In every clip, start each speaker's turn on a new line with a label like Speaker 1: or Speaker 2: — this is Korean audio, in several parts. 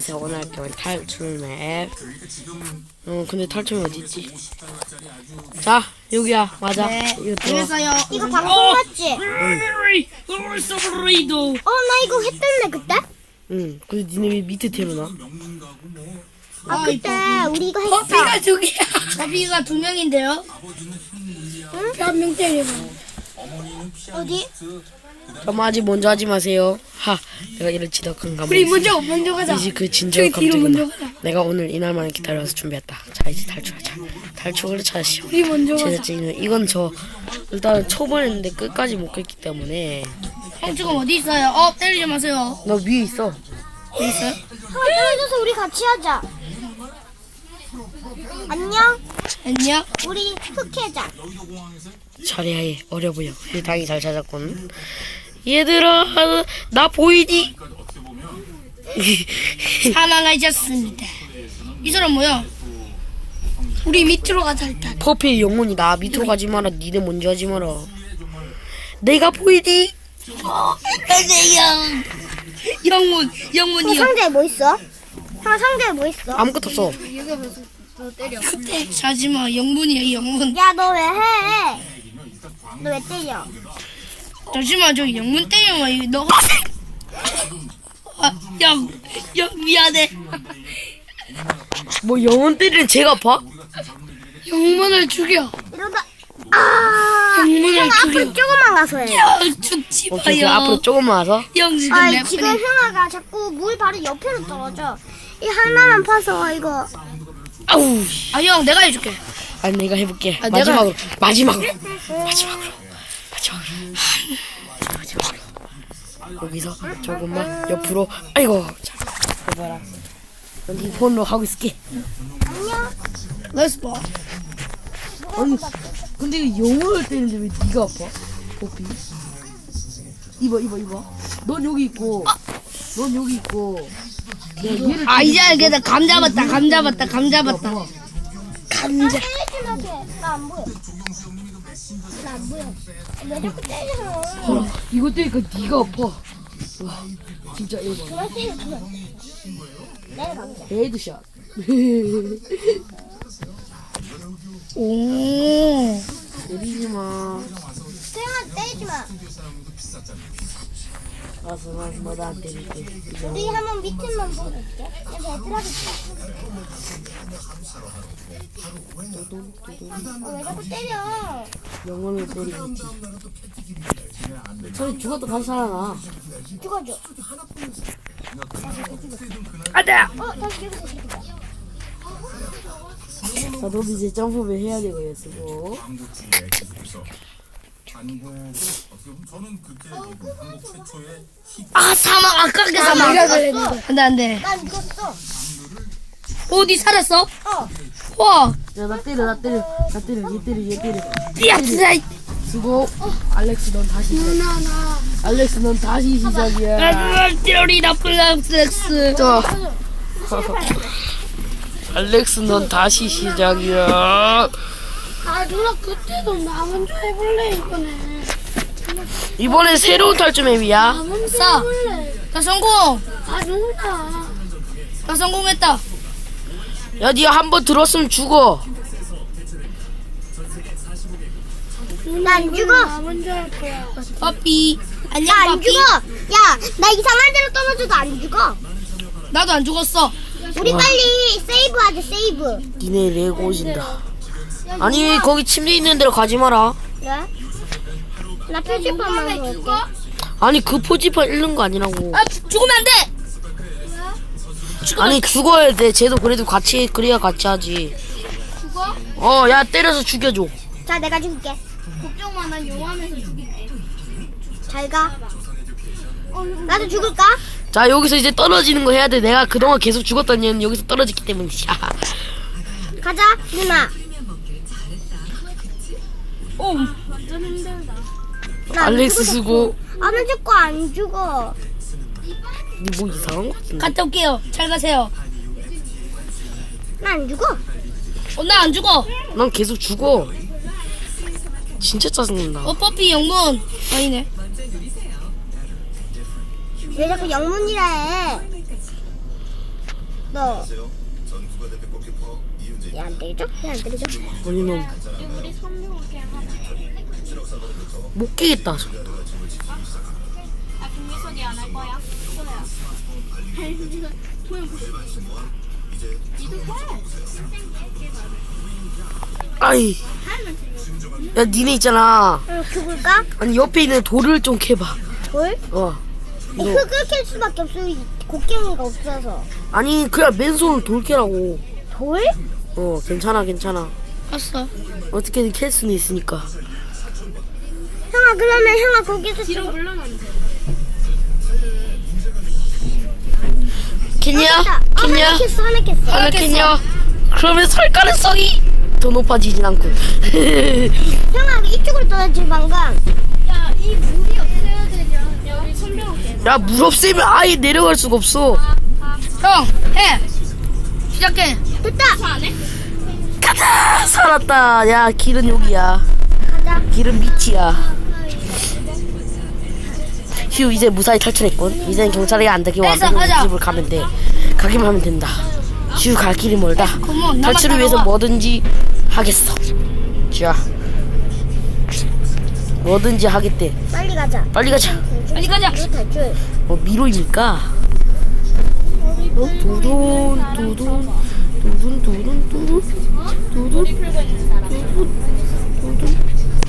Speaker 1: 그래서 오늘 할 거는 탈출 맵. 근데 탈출이 어딨지? 자, 여기야. 맞아.
Speaker 2: 네.
Speaker 1: 이거 들어.
Speaker 2: 재밌어요.
Speaker 3: 이거 방송 맞지?
Speaker 1: 서브레이도.
Speaker 3: 나 이거 했던데 그때?
Speaker 1: 응. 근데 니네 왜 밑에 태어나?
Speaker 3: 그때 우리 이거 했어.
Speaker 2: 커피가 두 개야. 커피가 두 명인데요.
Speaker 3: 응?
Speaker 2: 한 명 때리고.
Speaker 3: 어디?
Speaker 1: 그럼 아직 먼저 하지 마세요. 내가 이런 지독한 감정.
Speaker 2: 우리 먼저 가자.
Speaker 1: 이제 그 진정
Speaker 2: 저기 뒤로 먼저
Speaker 1: 감정이다.
Speaker 2: 가자.
Speaker 1: 내가 오늘 이날만을 기다려서 준비했다. 자, 이제 탈출하자. 탈출을 찾으시오.
Speaker 2: 우리 먼저 가자.
Speaker 1: 제작진은 이건 일단 초반인데 끝까지 못 갔기 때문에.
Speaker 2: 형 지금 어디 있어요? 때리지 마세요.
Speaker 1: 너 위에 있어.
Speaker 2: 어디 있어요?
Speaker 3: 떨어져서 우리 같이 하자. 안녕.
Speaker 2: 안녕.
Speaker 3: 우리 흑해자.
Speaker 1: 잘해야 해. 어려 보여. 당이 잘 찾았군. 얘들아, 나 보이니?
Speaker 2: 사망하셨습니다. 이 사람 뭐야? 우리 밑으로 가자 일단.
Speaker 1: 퍼피의 영혼이다. 밑으로 가지 마라. 니네 먼저 하지 마라. 내가 보이니? 영문이요.
Speaker 3: 상자에 뭐 있어? 상자에 뭐 있어?
Speaker 1: 아무것도 없어.
Speaker 2: 그때 자지마. 영문이야 영문.
Speaker 3: 야, 너 왜 해? 너 왜 때려?
Speaker 2: 잠시만 저기 영문 때려봐. 이거 너가 영 미안해.
Speaker 1: 뭐 영혼 때리는 제가 봐?
Speaker 2: 영문을 죽여.
Speaker 3: 이러다
Speaker 2: 영문을
Speaker 3: 형 앞으로
Speaker 2: 죽여.
Speaker 3: 조금만 가서 해.
Speaker 2: 죽지
Speaker 1: 오케이,
Speaker 2: 마요.
Speaker 1: 앞으로 조금만 와서.
Speaker 2: 영 지금 내
Speaker 3: 지금 형아가 자꾸 물 바로 옆으로 떨어져. 이 하나만 파서 이거.
Speaker 1: 아우.
Speaker 2: 형 내가 해줄게.
Speaker 1: 아니, 내가 해볼게.
Speaker 2: 아,
Speaker 1: 마지막으로.
Speaker 2: 내가-
Speaker 1: 마지막으로. 여기서 조금만 옆으로. 아이고. 자, 해봐라. 여기 폰으로 하고 있을게.
Speaker 2: Let's go.
Speaker 1: 아니, 근데 이거 영혼을 때리는데 왜 네가 아파? 호피. 이봐. 넌 여기 있고. 넌 여기 있고. 야, 얘를
Speaker 2: 이제 알겠다. 감 잡았다. 감자.
Speaker 1: 봐봐.
Speaker 2: 감자.
Speaker 3: 때리려고 해. 나안 보여. 나 안 보여. 왜 자꾸 때려?
Speaker 1: 봐라. 이거 때리니까 네가 아파. 와, 진짜 이거 봐.
Speaker 3: 그만 때려, 그만. 내가 가보자.
Speaker 1: 헤드샷.
Speaker 2: 오.
Speaker 1: 때리지 마.
Speaker 3: 태영아, 때리지 마.
Speaker 1: 알았어, 너도 안 때릴게.
Speaker 3: 우리 한번 밑에만 보고 있게. 왜 자꾸 때려?
Speaker 1: 영혼을 때리겠지. 저기 죽어도 다시 살아나.
Speaker 3: 죽어줘.
Speaker 2: 안돼.
Speaker 3: 다시 죽어줘.
Speaker 1: 자, 너도 이제 점프를 해야 되겠어.
Speaker 2: 사망. 아깝게 사망. 안돼.
Speaker 3: 난 죽었어.
Speaker 2: 어디 살았어?
Speaker 3: 어.
Speaker 2: 와.
Speaker 1: 야, 나 때려. 얘 때려.
Speaker 2: 야 진짜.
Speaker 1: 수고. 알렉스, 넌 다시 시작. 알렉스, 넌 다시 시작이야.
Speaker 2: 띠로리 나쁜 렉스.
Speaker 1: 자. 알렉스, 넌 다시 시작이야.
Speaker 2: 누나 그때도 나 먼저 해볼래
Speaker 1: 이번엔 새로운 탈출 맵이야.
Speaker 2: 나 성공.
Speaker 3: 누나.
Speaker 2: 나 성공했다.
Speaker 1: 야, 니가 한 번 들었으면 죽어.
Speaker 3: 난 죽어.
Speaker 2: 빠삐. 안녕
Speaker 3: 나 안
Speaker 2: 빠삐.
Speaker 3: 죽어. 야, 나 이상한 데로 떨어져도 안 죽어.
Speaker 2: 나도 안 죽었어.
Speaker 3: 우리 빨리 세이브하자, 세이브.
Speaker 1: 니네 레고 오신다. 아니, 거기 침대 있는 데로 가지 마라.
Speaker 3: 왜? 나 표지판만 볼게.
Speaker 1: 아니, 그 포지판 잃는 거 아니라고.
Speaker 2: 죽으면 안 돼.
Speaker 1: 아니, 죽어야 돼. 쟤도 그래도 같이, 그래야 같이 하지. 죽어? 야, 때려서 죽여줘.
Speaker 3: 자, 내가 죽을게.
Speaker 2: 걱정 마. 난 용하면서 죽일게.
Speaker 3: 잘 가. 나도 죽을까?
Speaker 1: 자, 여기서 이제 떨어지는 거 해야 돼. 내가 그동안 계속 죽었던 얘는 여기서 떨어졌기 때문이야.
Speaker 3: 가자, 누나.
Speaker 2: 오. 완전 힘들다.
Speaker 3: 나
Speaker 1: 알렉스 수고.
Speaker 3: 안 죽고 안 죽어.
Speaker 1: 니 뭐 이상한 거 같은데?
Speaker 2: 갔다 올게요. 잘 가세요.
Speaker 3: 나 안 죽어.
Speaker 2: 나 안 죽어.
Speaker 1: 난 계속 죽어. 진짜 짜증난다.
Speaker 2: 퍼피 영문. 아니네.
Speaker 3: 왜 자꾸 영문이라 해? 너. 얘안 때리죠? 얘안 때리죠?
Speaker 1: 아니 놈. 못 깨겠다.
Speaker 2: 아 김미선이 안 할 거야?
Speaker 1: 아이. 야 니네 있잖아.
Speaker 3: 응, 죽을까?
Speaker 1: 아니 옆에 있는 돌을 좀 캐봐.
Speaker 3: 돌?
Speaker 1: 어.
Speaker 3: 이 흙을 캘 수밖에 없어. 이 곡괭이가 없어서.
Speaker 1: 아니 그냥 맨손으로 돌 캐라고.
Speaker 3: 돌?
Speaker 1: 어 괜찮아 괜찮아.
Speaker 2: 알았어.
Speaker 1: 어떻게든 캘 수는 있으니까.
Speaker 3: 형아, 그러면 형아 거기서
Speaker 2: 뒤로 물러나는데.
Speaker 1: 캐냐? 캐냐?
Speaker 3: 하나 캤어, 하나 캤어.
Speaker 1: 하나 캐냐? 그러면 설 가능성이 더 높아지진 않고.
Speaker 3: 형아, 이쪽으로 떠나지 방금.
Speaker 2: 야이 물이 없애야 되냐? 야 우리 선배할게.
Speaker 1: 야 물 없애면 아예 내려갈 수가 없어.
Speaker 2: 형 해. 시작해.
Speaker 3: 됐다.
Speaker 2: 안 해?
Speaker 1: 가자! 살았다. 야 길은 여기야.
Speaker 3: 가자.
Speaker 1: 길은 밑이야. 휴 이제 무사히 탈출했군. 이제는 경찰이 안 되게 와서
Speaker 2: 가자.
Speaker 1: 집을 가면 돼. 가기만 하면 된다. 휴 갈 길이 멀다.
Speaker 2: 그만, 나만
Speaker 1: 탈출을 위해서
Speaker 2: 따라와.
Speaker 1: 뭐든지 하겠어. 자 뭐든지 하겠대.
Speaker 3: 빨리 가자.
Speaker 1: 빨리 가자.
Speaker 2: 빨리 가자.
Speaker 3: 이거 탈출.
Speaker 1: 뭐 미로입니까? 두둔 두둔 두둔 두둔 두둔 두둔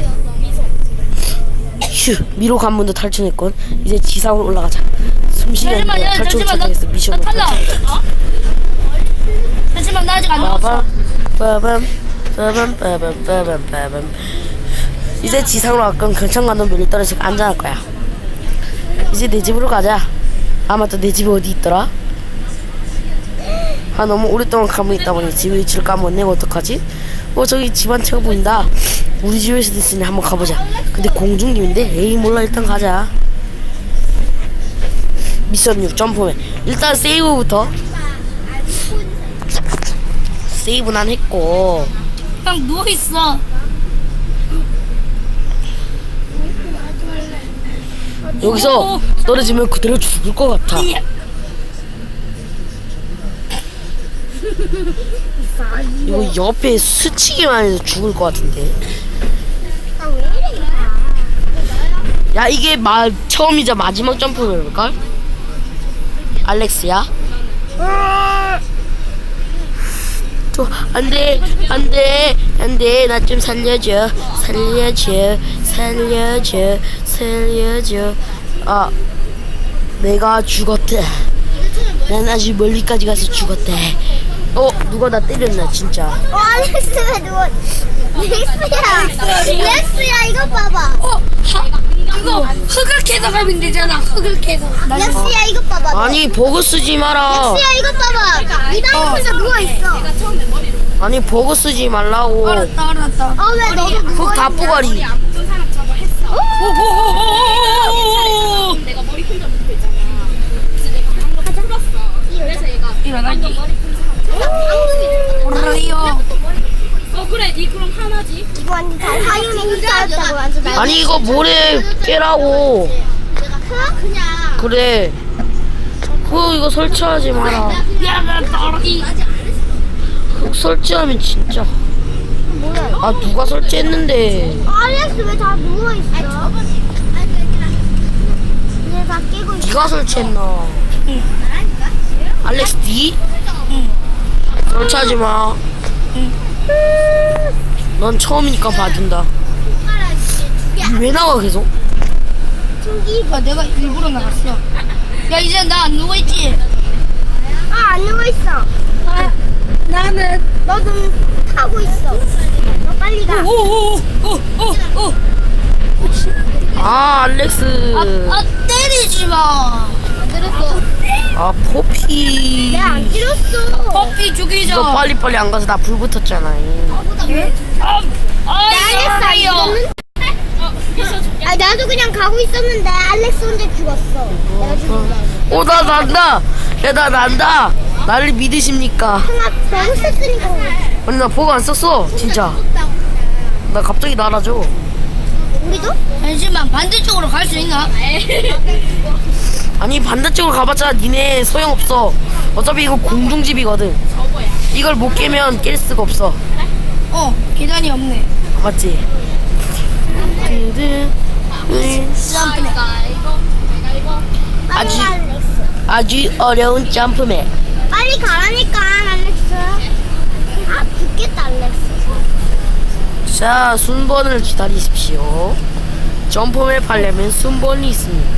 Speaker 1: 휴 미로 관문도 탈출했건 이제 지상으로 올라가자. 숨쉬게
Speaker 2: 잠시만, 야,
Speaker 1: 탈출
Speaker 2: 잠시만,
Speaker 1: 착각했어.
Speaker 2: 나
Speaker 1: 미션을
Speaker 2: 탈락.
Speaker 1: 탈출했어.
Speaker 2: 하지만 나 아직 안 나왔어.
Speaker 1: 빠밤 빠밤 빠밤 빠밤 빠밤. 이제 지상으로 가끔 경찰관도 멀리 떨어져 안전할 거야. 이제 내 집으로 가자. 아 맞다 내 집이 어디 있더라? 아 너무 오랫동안 가만히 있다 보니 집 위치를 까먹었네. 어떡하지? 저기 집 한 채가 보인다. 우리 집에서 됐으니 한번 가보자. 근데 공중님인데? 에이 몰라 일단 가자. 미션 6 점프맨. 일단 세이브부터. 세이브 난 했고.
Speaker 2: 형 누워 있어.
Speaker 1: 여기서 떨어지면 그대로 죽을 것 같아. 이거 옆에 스치기만 해도 죽을 것 같은데.
Speaker 3: 아, 왜 이래?
Speaker 1: 야 이게 처음이자 마지막 점프일걸? 알렉스야? 안돼 안돼 안돼 나 좀 살려줘 살려줘 살려줘 살려줘. 아 내가 죽었대. 난 아주 멀리까지 가서 죽었대. 누가 나 때렸나 진짜.
Speaker 3: 알렉스가 누워. 렉스야, 이거 봐봐.
Speaker 2: 이거 흙을 캐서 가면 되잖아. 흙을 캐서.
Speaker 3: 렉스야, 이거 봐봐.
Speaker 1: 아니 버그 쓰지 마라.
Speaker 3: 렉스야, 이거 봐봐. 이 방에 혼자 누워있어.
Speaker 1: 아니 버그 쓰지 말라고.
Speaker 2: 알았다.
Speaker 3: 왜 너도 누워있냐?
Speaker 1: 흙 다 뿌가리.
Speaker 2: 내가 머리 혼자 묶고 있잖아. 그래서 내가 방금 풀었어. 그래서 얘가 일어나기. 오라이요. 그래, 니 그럼 하나지.
Speaker 3: 이거 완전 다 사유미 혼자였다고 완전 날.
Speaker 1: 아니 이거 모래 깨라고.
Speaker 3: 그냥.
Speaker 1: 그래. 이거 설치하지 마라.
Speaker 2: 야, 나 떨어기.
Speaker 1: 흙 설치하면 진짜.
Speaker 3: 뭐야?
Speaker 1: 아 누가 설치했는데.
Speaker 3: 알렉스 왜 다 누워있어? 이제 다 깨고 있어.
Speaker 1: 네가 설치했나? 알렉스 D? 설치하지 마. 넌 처음이니까 봐준다. 왜 나와 계속?
Speaker 2: 아, 내가 일부러 나갔어. 야, 이제 나 안 누워있지?
Speaker 3: 안 누워있어.
Speaker 2: 나는.
Speaker 3: 너도 타고 있어. 너 빨리 가.
Speaker 2: 오.
Speaker 1: 아 알렉스.
Speaker 2: 때리지 마. 안 때렸어.
Speaker 1: 아 포피.
Speaker 3: 내가 안 때렸어.
Speaker 2: 커피 죽이자.
Speaker 1: 너 빨리빨리 안 가서 나 불 붙었잖아.
Speaker 2: 알겠어요.
Speaker 3: 나도 그냥 가고 있었는데 알렉스 혼자 죽었어. 내가 죽은 거.
Speaker 1: 나 난다. 야 나 난다. 나를 믿으십니까?
Speaker 3: 형아 너무 썼으니까.
Speaker 1: 아니 나 버그 안 썼어 진짜. 나 갑자기 날아줘.
Speaker 3: 우리도?
Speaker 2: 잠시만, 반대쪽으로 갈 수 있나?
Speaker 1: 아니 반대쪽으로 가봤자 니네 소용없어. 어차피 이거 공중집이거든. 이걸 못 깨면 깰 수가 없어.
Speaker 2: 계단이 없네.
Speaker 1: 맞지?
Speaker 2: 점프네.
Speaker 1: 아주-
Speaker 3: 빨리 가, 렉스.
Speaker 1: 아주 어려운 점프맨.
Speaker 3: 빨리 가라니까, 알렉스. 아, 죽겠다, 알렉스.
Speaker 1: 자, 순번을 기다리십시오. 점프맵 하려면 순번이 있습니다.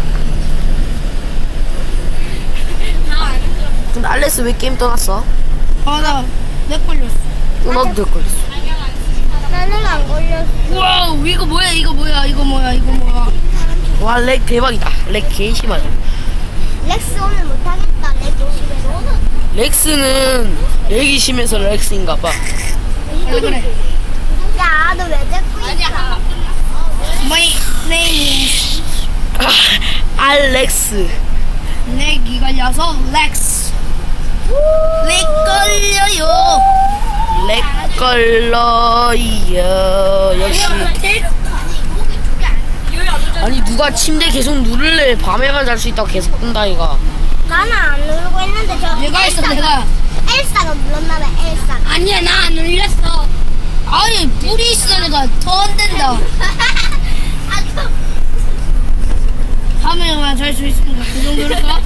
Speaker 1: 근데 알렉스 왜 게임 떠났어?
Speaker 2: 나내 걸렸어.
Speaker 1: 너도 될 걸렸어.
Speaker 3: 나는 안 걸렸어.
Speaker 2: 우와, 이거 뭐야, 이거 뭐야, 이거 뭐야, 이거 뭐야.
Speaker 1: 와, 렉 대박이다. 렉 개 심하다.
Speaker 3: 렉스 오늘 못하겠다, 렉 조심해서.
Speaker 1: 렉스는 렉이 심해서 렉스인가봐.
Speaker 2: 그래.
Speaker 3: 야, 너 왜 자꾸 있어?
Speaker 2: My name is
Speaker 1: 알렉스.
Speaker 2: 렉이 걸려서 렉스. 렉 걸려요.
Speaker 1: 렉 걸러요. 역시. 아니 누가 침대 계속 누를래? 밤에만 잘 수 있다고 계속 뜬다 이가.
Speaker 3: 나는 안 누르고 있는데 저
Speaker 2: 내가 했어, 내가.
Speaker 3: 엘사가 눌렀나봐, 엘사가.
Speaker 2: 아니야, 나 안 울렸어. 아니, 불이 있으니까 더 안 된다. 밤에만 잘 수 있으니까 그 정도일까?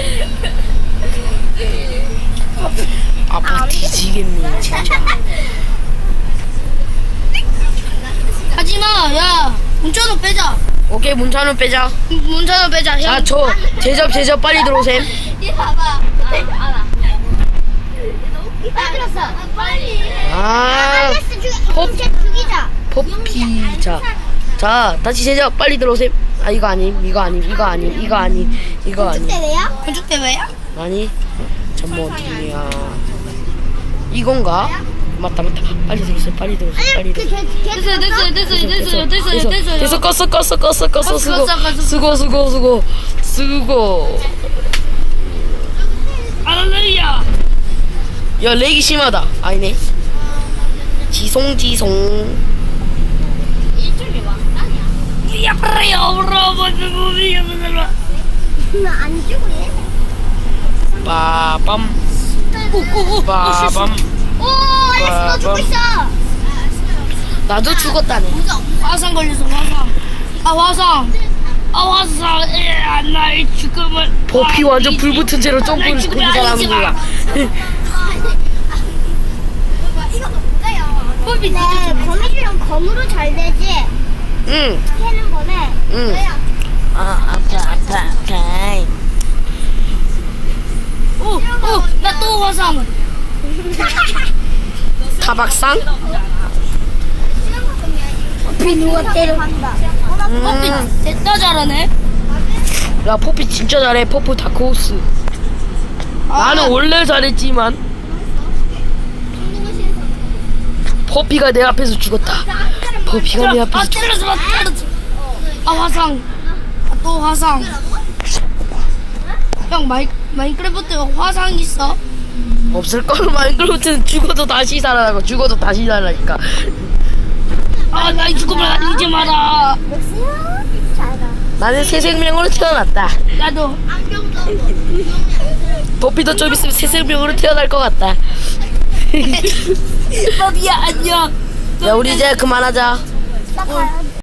Speaker 1: 아빠 뒤지겠네 진짜.
Speaker 2: 하지마, 야. 문자도 빼자.
Speaker 1: 오케이 문찬우 빼자.
Speaker 2: 문자도 빼자.
Speaker 1: 자
Speaker 2: 형.
Speaker 1: 저 제접 빨리 들어오셈.
Speaker 3: 얘 봐봐. 알아. 나 들었어. 빨리.
Speaker 1: 아
Speaker 3: 알렉스 죽이자.
Speaker 1: 포피. 자 다시 제접 빨리 들어오셈. 아 이거 아님 이거 아님 이거 아님 이거 아님 이거 아님
Speaker 3: 때래야?
Speaker 2: 건축 대회야?
Speaker 1: 아니 잠깐만 어디야 이건가? 맞다 빨리 들어오세요 빨리 들어오세요 빨리 들어오세요.
Speaker 2: 됐어.
Speaker 1: 껐어 수고
Speaker 2: 할렐루야.
Speaker 1: 야 렉이 심하다. 아니네 지송
Speaker 3: 나안 죽을래?
Speaker 1: 빠밤 빠밤
Speaker 3: 오, 알렉스 너 죽고 있어.
Speaker 1: 나도 죽었다네.
Speaker 2: 화상 걸려서 화상. 화상. 나의 죽음을.
Speaker 1: 버피 완전 불 붙은 채로 점프를 잘하는 거야.
Speaker 3: 네, 거미줄은 검으로 잘 되지.
Speaker 1: 응.
Speaker 3: 캐는 거네.
Speaker 1: 응. 아파.
Speaker 2: 나 또 화상.
Speaker 1: 타박상?
Speaker 3: 비 누가 때려간다.
Speaker 2: 됐다 잘하네.
Speaker 1: 야 포피 진짜 잘해. 퍼프 다크호스. 나는 원래 잘했지만 퍼피가 내 앞에서 죽었다. 퍼피가 내 앞에서
Speaker 2: 때렸어. 화상. 또 화상. 형 마인크래프트 화상 있어?
Speaker 1: 없을걸. 마인크래프트는 죽어도 다시 살아나고 죽어도 다시 살아나니까.
Speaker 2: 나의 죽음을 알리지 마라.
Speaker 3: 잘가.
Speaker 1: 나는 새 생명으로 태어났다.
Speaker 2: 나도.
Speaker 1: 퍼피도 좀 있으면 새 생명으로 태어날 것 같다.
Speaker 2: 법이야 안녕.
Speaker 1: 야 우리 이제 그만하자.
Speaker 3: 나 가야 돼.